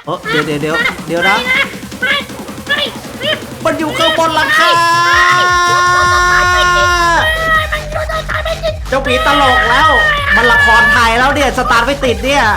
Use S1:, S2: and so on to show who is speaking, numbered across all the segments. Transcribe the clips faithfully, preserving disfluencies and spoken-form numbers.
S1: เออเดี๋ยวเดี๋ยวเดี๋ยวเดี๋ยวนะมันอยู่ข้างบนหลังคาเจ้าผีตลกแล้วมันละครไทยแล้วเนี่ยสตาร์ทไม่ติดเนี่ย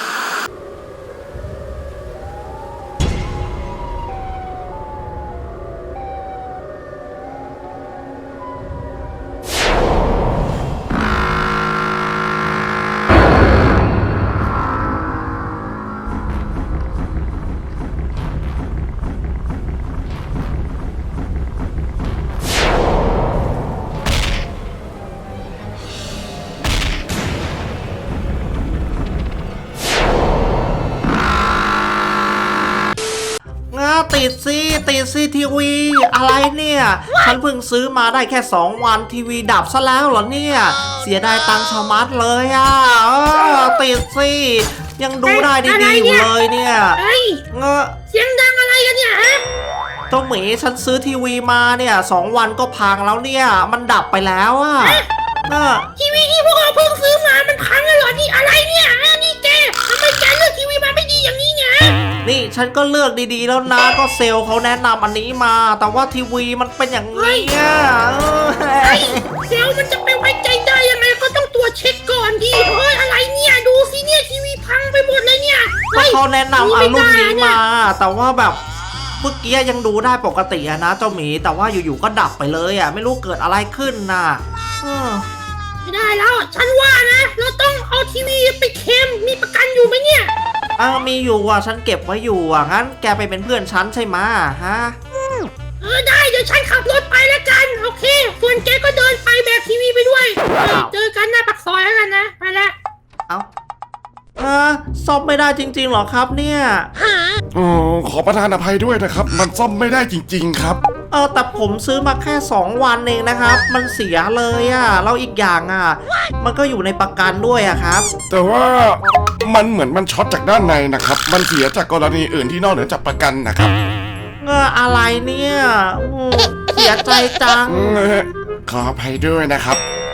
S1: ติดสิติดสิทีวีอะไรเนี่ยฉันเพิ่งซื้อมาได้แค่สองวันทีวีดับซะแล้วเหรอเนี่ยเสียดายตังค์ชะมัดเลยอ่ะติดสิยังดูได้ดีๆอยู่เลยเนี่ยเงอะ
S2: เสียงดังอะไรกันเนี่ยฮะ
S1: เจ้าหมีฉันซื้อทีวีมาเนี่ยสองวันก็พังแล้วเนี่ยมันดับไปแล้วอ่ะ
S2: ทีวีที่พวกเราเพิ่งซื้อมามันพังแล้วเหรอนี่อะไรเนี่ยนี่แกทำไมแกเลือกทีวีมาไม่ดีอย่างนี้เนี่ย
S1: นี่ฉันก็เลือกดีๆแล้วนะก็เซลล์เขาแนะนำอันนี้มาแต่ว่าทีวีมันเป็นอย่างนี้อ่ะ
S2: เซลล์มันจะไปไว้ใจได้ยังไงก็ต้องตรวจเช็คก่อนดิเฮ้ยอะไรเนี่ยดูสิเนี่ยทีวีพังไปหมดเลยเนี่ย
S1: ก็เขาแนะนำเอารุ่นนี้มาแต่ว่าแบบเมื่อกี้ยังดูได้ปกติอะนะเจ้าหมีแต่ว่าอยู่ๆก็ดับไปเลยอะไม่รู้เกิดอะไรขึ้นน่ะ
S2: ไม่ได้แล้วฉันว่านะเราต้องเอาทีวีไปเคลมมีประกันอยู่ไหมเนี่ย
S1: อ้าวมีอยู่อ่ะฉันเก็บไว้อยู่อ่ะงั้นแกไปเป็นเพื่อนฉันใช่ไหมฮะ
S2: เออได้เดี๋ยวฉันขับรถไปแล้วกันโอเคส่วนแกก็เดินไปแบกทีวีไปด้วยเจอกันหน้าปากซอยแล้วกันนะไปละ
S1: เอ้าเออซ่อมไม่ได้จริงๆหรอครับเนี่ย
S3: อ๋อขอประทานอภัยด้วยนะครับมันซ่อมไม่ได้จริงๆครับ
S1: เออแต่ผมซื้อมาแค่สองวันเองนะครับมันเสียเลยอ่ะแล้วอีกอย่างอ่ะมันก็อยู่ในประกันด้วยอ่ะครับ
S3: แต่ว่ามันเหมือนมันช็อตจากด้านในนะครับมันเสียจากกรณีอื่นที่นอกเหนือจากประกันนะครับ
S1: เงออะไรเนี่ยเสียใจจัง
S3: ขออภัยด้วยนะครับ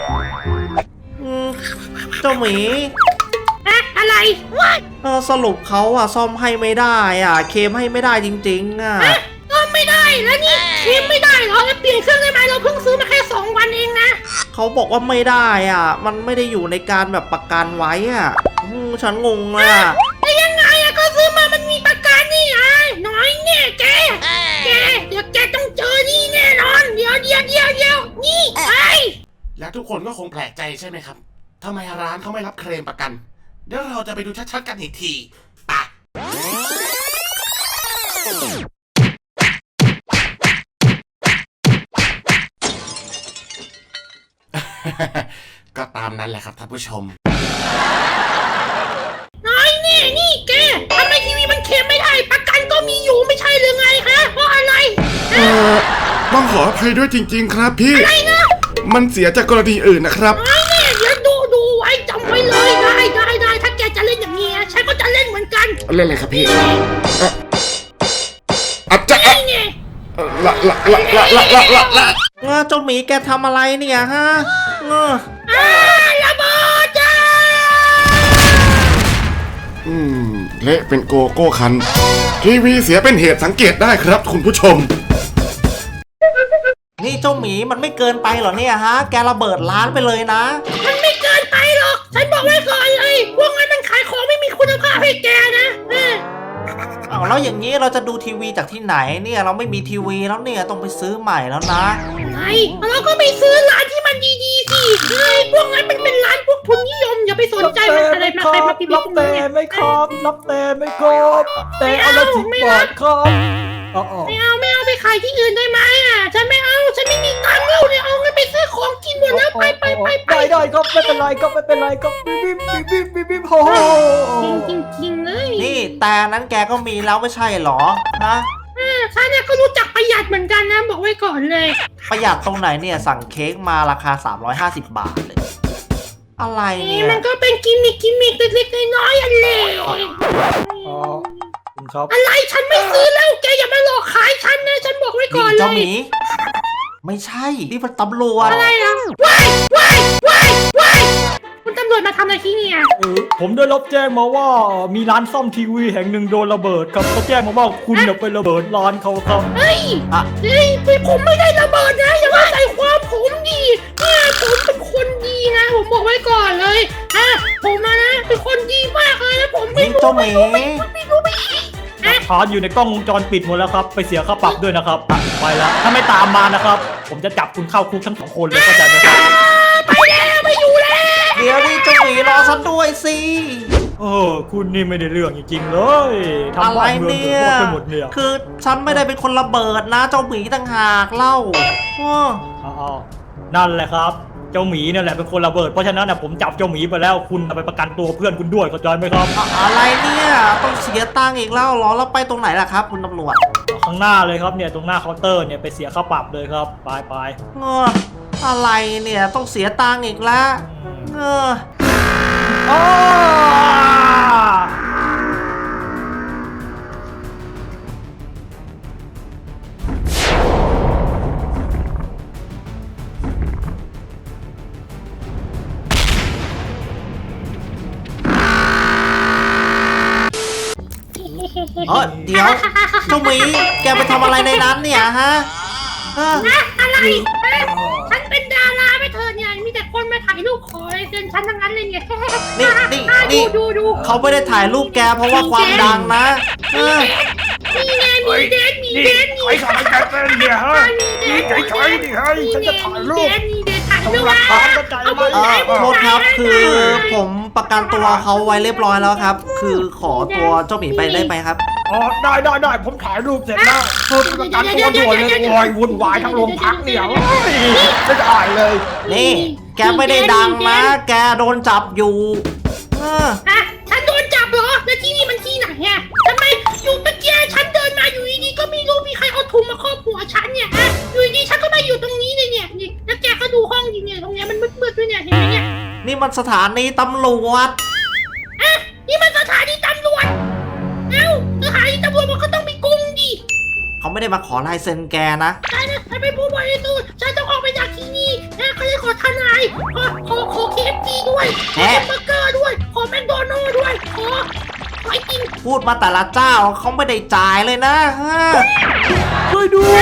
S1: เจ้าหมี
S2: อะไร
S1: เออสรุปเขาอ่ะซ่อมให้ไม่ได้อ่ะเคลมให้ไม่ได้จริงๆอ่ะ
S2: ซ่อมไม่ได้แล้วนี่เคลมไม่ได้เหรอแล้วเปลี่ยนเครื่องได้ไหมเราเพิ่งซื้อมาแค่สองวันเองนะ
S1: เขาบอกว่าไม่ได้อ่ะมันไม่ได้อยู่ในการแบบประกันไว้อ่ะฉันงงเลยอ่ะ
S2: แต่ยังไงอ่ะก็ซื้อมามันมีประกันนี่ไงน้อยเนี่ยแกแกเดี๋ยวแกต้องเจอนี่แน่นอนเดี๋ยวเดี๋ยวเดี๋ยวเดี๋ยวนี่ไอ้
S3: และทุกคนก็คงแปลกใจใช่ไหมครับทำไมร้านเขาไม่รับเคลมประกันเดี๋ยวเราจะไปดูชัดๆกันอีกทีไปก็ตามนั้นแหละครับท่านผู้ชม
S2: น้อยนี่นี่แกทำไมทีวีมันเคลมไม่ได้ประกันก็มีอยู่ไม่ใช่หรือไงฮะเพราะอะไร
S3: เออต้องขออภัยด้วยจริงๆครับพี่
S2: อะไรนะ
S3: มันเสียจากกรณีอื่นนะครับ
S2: น้อยนี่เดี๋ยวดูดูไว้จำไว้เลยได้ได้ได้ถ้าแกจะเล่นอย่างนี้ฉันก็จะเล่นเหมือนกัน
S3: เล่นเลยครับพี่อาจจะละละละละละละละละ
S1: เจ้าหมีแกทำอะไรเนี่ยฮะเงอ
S2: ระเบิดจ้า
S3: อืมเละเป็นโกโก้คันทีวีเสียเป็นเหตุสังเกตได้ครับคุณผู้ชม
S1: นี่เจ้าหมีมันไม่เกินไปเหรอเนี่ยฮะแกระเบิดร้านไปเลยนะ
S2: มันไม่เกินไปหรอกฉันบอกไว้ก่อนเลยพวกนั้นมันขายของไม่มีคุณภาพให้แกนะ
S1: เอาแล้วอย่างนี้เราจะดูทีวีจากที่ไหนเนี่ยเราไม่มีทีวีแล้วเนี่ยต้องไปซื้อใหม่แล้วนะ
S2: ไงเราก็ไปซื้อร้านที่มันดีๆสิเฮ้ยพวกนั้นมันเป็นร้านพวกทุนนิยมอย่าไปสนใจมันอะไรมาใครมาพิมพ์
S4: รับแต่ไม่ครบรับแต่ไม่ครบแต่เอาละสิบบาทครับ
S2: ไม่เอาไม่เอาไปขายที่อื่นได้ไหมอ่ะฉันไม่เอาฉันไม่มีตังค์แล้วเนี่ยเอาเงินไปซื้อของกินหมดแล้วไปไปไปไป
S4: ได้ได้ก็ไม่เป็นไรก็ไม่เป็นไรก็บิ๊บบิ๊บบิ๊บบิ๊บบิ๊บโอ้
S2: จริงจริงจริงเลย
S1: นี่แต่นั้นแกก็มีแล้วไม่ใช่หรอฮะ
S2: ฉันเนี่ยก็รู้จักประหยัดเหมือนกันนะบอกไว้ก่อนเลย
S1: ประหยัดตรงไหนเนี่ยสั่งเค้กมาราคาสามร้อยห้าสิบบาทเลยอะไรเนี่ย
S2: มันก็เป็นกิมมิคกิมมิคเล็กๆน้อยๆอันเล็กอะไรฉันไม่ซื้อแล้วแกอย่ามาหลอกขายฉันนะฉันบอกไว้ก่อนเลย
S1: เจ้าหมีไม่ใช่นี่มันตำรวจ
S2: อะไรอ่ะว้ายว้ายว้ายว้ายคุณตำรวจมาทำอะไรที่เนี่ย
S4: เออผมได้รับแจ้งมาว่ามีร้านซ่อมทีวีแห่งหนึ่งโดนระเบิดครับเขาแจ้งมาว่าคุณเนี่ยไประเบิดร้านเขาครับ
S2: เฮ้ย
S1: อ่ะ
S2: เฮ้ยผมไม่ได้ระเบิดนะอย่ามาใส่ความผมดีเนี่ยผมเป็นคนดีนะ ผมบอกไว้ก่อนเลยฮะผมนะนะเป็นคนดีมากเลยนะผมไม่
S1: นี่
S2: รู้
S1: เจ้าหมี
S2: ไม่รู้ไม่ฮะ
S4: พาร์ทอยู่ในกล้องวงจรปิดหมดแล้วครับไปเสียค่าปรับด้วยนะครับอ่ะไปแล้วถ้าไม่ตามมานะครับผมจะจับคุณเข้าคุกทั้งสองคนเลยเข้าใจไหมครับ
S2: ไปแล้วไม่อยู่แล้ว
S1: เดี๋ยวนี่เจ้าหมีรอฉันด้วยสิ
S4: เออคุณนี่ไม่ได้เรื่องจริงๆเลยทำ
S1: อะไร
S4: บ้านเมือง
S1: เนี่
S4: เดือด
S1: ย
S4: ร้อนไปหมดเนี่ย
S1: คือฉันไม่ได้เป็นคนระเบิดนะ เจ้าหมีต่างหากเล่าอ้อ
S4: อ้าวนั่นแหละครับ เจ้าหมีเนี่ยแหละเป็นคนระเบิดเพราะฉะนั้นนะผมจับเจ้าหมีไปแล้วคุณเอาไปประกันตัวเพื่อนคุณด้วยเข้าใจไหมครับ
S1: อะอะไรเนี่ยต้องเสียตังค์อีกแล้วเหรอแล้วไปตรงไหนล่ะครับ คุณตำรวจ
S4: ข้างหน้าเลยครับเนี่ยตรงหน้าเคาน์เตอร์เนี่ยไปเสียค่าปรับเลยครับไปไป
S1: เอออะไรเนี่ยต้องเสียตังค์อีกแล้วเออ
S4: อ้า
S1: เออเดี๋ยวเจ้าหมีแกไปทำอะไรในนั้นเนี่ยฮะเออ
S2: นะอะไรฮะฉันเป็นดาราไม่เธอเนี่ยมีแต่คนมาถ่ายรูปขออะไรเกินฉันทั้งนั้นเลยเนี่ย
S1: นี่นี่
S2: อ่ะ
S1: นี่
S2: ดูดูดู
S1: เขาไม่ได้ถ่ายรูปแกเพราะว่าความดังนะเออ
S2: นี่ไงมีเดนมีเดนมี
S4: ใครสั่งให้แกเต้นเนี่ยฮะ
S2: มีเดน
S4: ใครๆดิเฮ้ยฉันจะถ่ายรูป
S2: มีเดนมีเดนถ่ายรูป
S4: หลักฐานก็ใจ
S2: เอา
S4: ไหม
S2: มือ
S1: เอ
S2: ไหน
S1: อโทษครับคือผมประกันตัวเขาไว้เรียบร้อยแล้วครับ คือขอตัวเจ้าหมีไปได้ไหมครับ
S4: อ๋อได้ได้ได้ผมถ่ายรูปเสร็จแล้วเพิ่มประกันตัวด่วนเลยโอ้ยวุ่นวายทั้งโรงพักเนี่ยโอ้ยไม่ได้เลย
S1: นี่ แกไม่ได้ดังนะ แกโดนจับอยู่เออ
S2: อ่ะฉันโดนจับเหรอแล้วที่นี่มันที่ไหนอ่ะทำไมอยู่เมื่อกี้ฉันเดินมาอยู่ดีๆก็ไม่รู้มีใครเอาถุงมาครอบหัวฉันเนี่ยฮะอยู่ดีๆฉันก็มาอยู่ตรงนี้เลยเนี่ยนี่แล้วแกก็ดูห้องดิเนี่ยตรงเนี้ยมันมืดๆด้วยเนี่ยเห็นไหมเนี่ย
S1: นี่มันสถานีตำรวจ
S2: อ่ะนี่มันสถานีตำรวจเอ้าสถานีตำรวจมันก็ต้องมีกรุงดิ
S1: เขาไม่ได้มาขอลายเซ็นแกนะ
S2: ใช่นะฉันเป็นผู้บริสุทธิ์ฉันต้องออกไปจากที่นี่นะเขาเลยขอทนายขอขอขอเคเอฟซีด้วยขอ
S1: แอะ
S2: แฮมเบอร์เกอร์ด้วยขอแมคโดนัลด์ด้วยขอขอไอติม
S1: พูดมาแต่ละเจ้าเขาไม่ได้จ่ายเลยนะฮะ
S4: ช่วยด้วย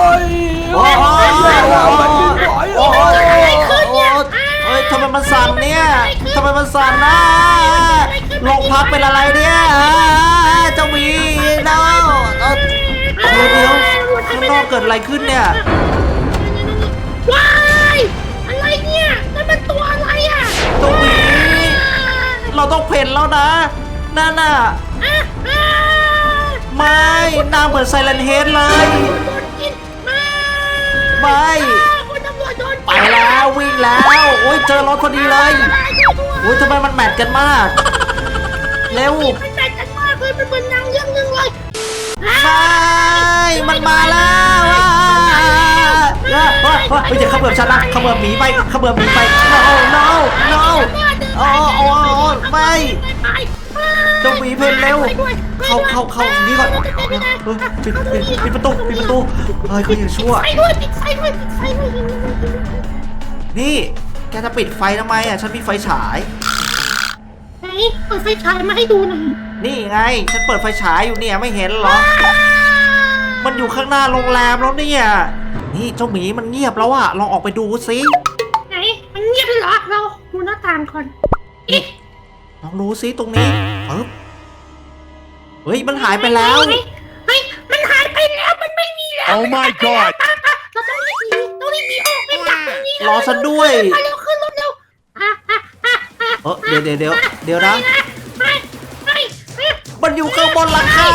S1: โอ้ย
S4: โอ้ยโอ้ย
S1: โอ้ยโอ้ยเอ้ยทำไมมันสั่นเนี่ยทำไมมันสั่นนะโรงพักเป็นอะไรเนี่ยเจ้าหมีเนาเออเดี๋ยวเดี๋ยวข้างนอกเกิดอะไรขึ้นเนี่ย
S2: ว้ายอะไรเนี่ยนั่นมันตัวอะไรอ่ะ
S1: เจ้าหมีเราต้องเพ่นแล้วนะนั่นน่ะ
S2: อ่ะอ่ะ
S1: ไม่หน้าเหมือนไซเลนเฮดเลย
S2: โดนกินมา
S1: ไม่
S2: อ่ะคุณตำรวจโดน
S1: ไปแล้ววิ่งแล้วโอ้ยเจอรถพอดีเลยโอ้ยทำไมมันแมทกันมาก เร็ว
S2: มันแตกกันมากเลยมันเป็นหนังเรื่องหนึงเลยอ่ะ
S1: ไม่มันมาแล้วอ่ะเฮ้ยเฮ้ยเฮ้ยอย่าเขมือบฉันนะเขมือบหมีไปเขมือบหมีไป no no no โอ้โอ้โอ้ไม่
S2: ไป
S1: เจ้าหมีเพนเร็ว เข้าเข้าเข้านี่ก่อนเฮ้ยปิดปิดปิดประตูปิดประตูเฮ้ยเขาอย่าชั่ว
S2: ไฟด้วยปิดไฟด้วยปิดไฟด้วย
S1: นี่ แกจะปิดไฟทำไมอ่ะ ฉันมีไฟฉาย
S2: ไหนเปิดไฟฉายมาให้ดูหน่อย
S1: นี่ไง ฉันเปิดไฟฉายอยู่เนี่ยไม่เห็นเหรอ มันอยู่ข้างหน้าโรงแรมแล้วเนี่ย นี่เจ้าหมีมันเงียบแล้วอะลองออกไปดูสิ
S2: ไหนมันเงียบเลยเหรอเราดูหน้าต่างก่อนเอ๊ะ
S1: ลองดูสิตรงนี้ปึ๊บเฮ้ยมันหายไปแล้ว
S2: เฮ้ยมันหายไปแล้วมันไม่มีแล้ว
S5: Oh my god
S2: เราต้องรีบหนีต้องรีบหนีออกไปจากตรงนี้
S1: รอฉันด้วย
S2: ไปเร็วขึ้นรถเร็วอ่ะอ่ะอ่ะอ่ะ
S1: เออเดี๋ยวเดี๋ยวเดี๋ยวเดี๋ยวนะ
S2: ไปไปไป
S1: มันอยู่ข้างบนหลังคา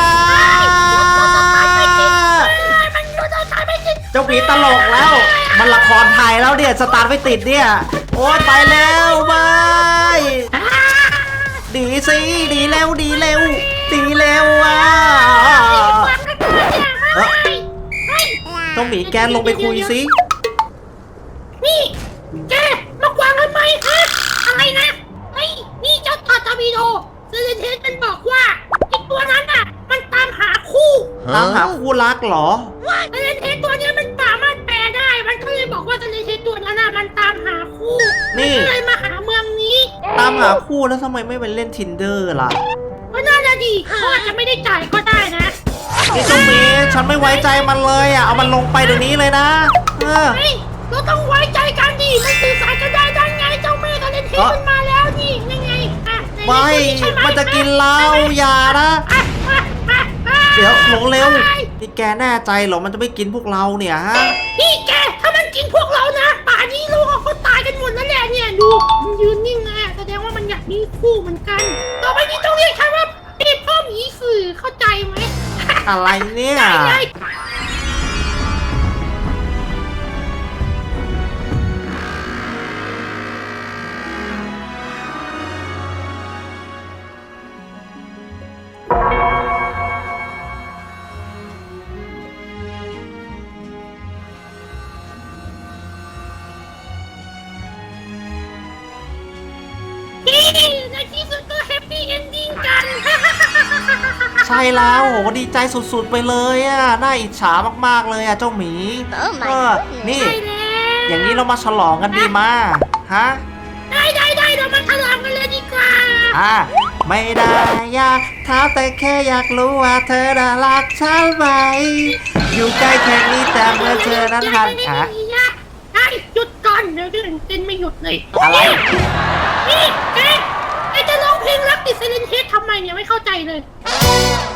S2: มันรถเราตายไม่ติด
S1: เจ้าหมีตลกแล้ว มันละครไทยแล้วเนี่ยสตาร์ทไม่ติดเนี่ย โอ๊ยไปแล้วไปดีสิดีเร็วดีเร็วดีเร็วอ่ะเอ้อเจ้าหมีแกลงไปคุยสิ
S2: นี่ แกมากวางทำไมฮะอะไรนะไอ้นี่เจ้าทอตาบีโดเซเลนเทสมันบอกว่าไอ้ตัวนั้นอ่ะ มันตามหาคู่
S1: ตามหาคู่รักเหรอ
S2: เซเลนเทสตัวเนี้ยมันสามารถแปลได้ มันก็เลยบอกว่าเซเลนเทสตัวนั้นอ่ะมันตามหาคู่
S1: นี่
S2: มันก็เลยมาหาเมืองนี้
S1: นตามหาคู่แล้วทำไมไม่ไปเล่น Tinder ล่ะ
S2: ก็น่าจะดีเขาอาจจะไม่ได้จ่ายก็ได้นะ
S1: นี่เจ้าหมีฉันไม่ไว้ใจมันเลยอ่ะเอามันลงไปเดี๋ยวนี้เลยนะเออ
S2: เฮ้ยเราต้องไว้ใจกันดิมันสื่อสารกันได้ได้ไงเจ้าแม่กันเล่นเทปมันมาแล้วนี่ยังไงอ่ะใน
S1: ไม่
S2: ใช่ไห
S1: มันจะกินเราอย่านะ
S2: อ่ะอ่ะอ่ะอ่ะ
S1: เดี๋ยวหลงเร็วนี่แกแน่ใจเหรอมันจะไม่กินพวกเราเนี่ยฮะ
S2: นี่แกถ้ามันกินพวกเรานะป่านนี้ลูกเขาตายกันหมดแล้วแหละเนี่ยดูมันยืนนิ่งไงแสดงว่ามันอยากมีคู่เหมือนกัน ต่อไปนี้ต้องเรียกฉันว่าพี่พ่อหมีสื่อเข้าใจไหม
S1: อะไรเนี่ย
S2: ได้ได้ นี่ในที่สุดก็แฮปปี้เอนดิ้งกัน
S1: ใช่แล้วโหดีใจสุดๆไปเลยอ่ะน่าอิจฉามากๆเลยอ่ะเจ้าหมี
S5: Oh my
S1: เออ
S5: goodness
S1: นี่
S2: ใช่แล้ว
S1: อย่างนี้เรามาฉลองกันดีมาฮะ
S2: ได้ได้ได้เรามาทะเลาะกันเลยดีกว่า
S1: อ่ะไม่ได้อยากถามแต่แค่อยากรู้ว่าเธอน่ารักฉันไหมอยู่ใกล้แค่นี้แต่เมื่อเธอนั้นหันอ่ะ
S2: ไอ้หยุดก่อนเดี๋ยวเดินเต้นไม่หยุดเลย
S1: อะไร
S2: นี่แกไอจะร้องเพลงรักติดไซเลนเฮดทำไมเนี่ยไม่เข้าใจเลย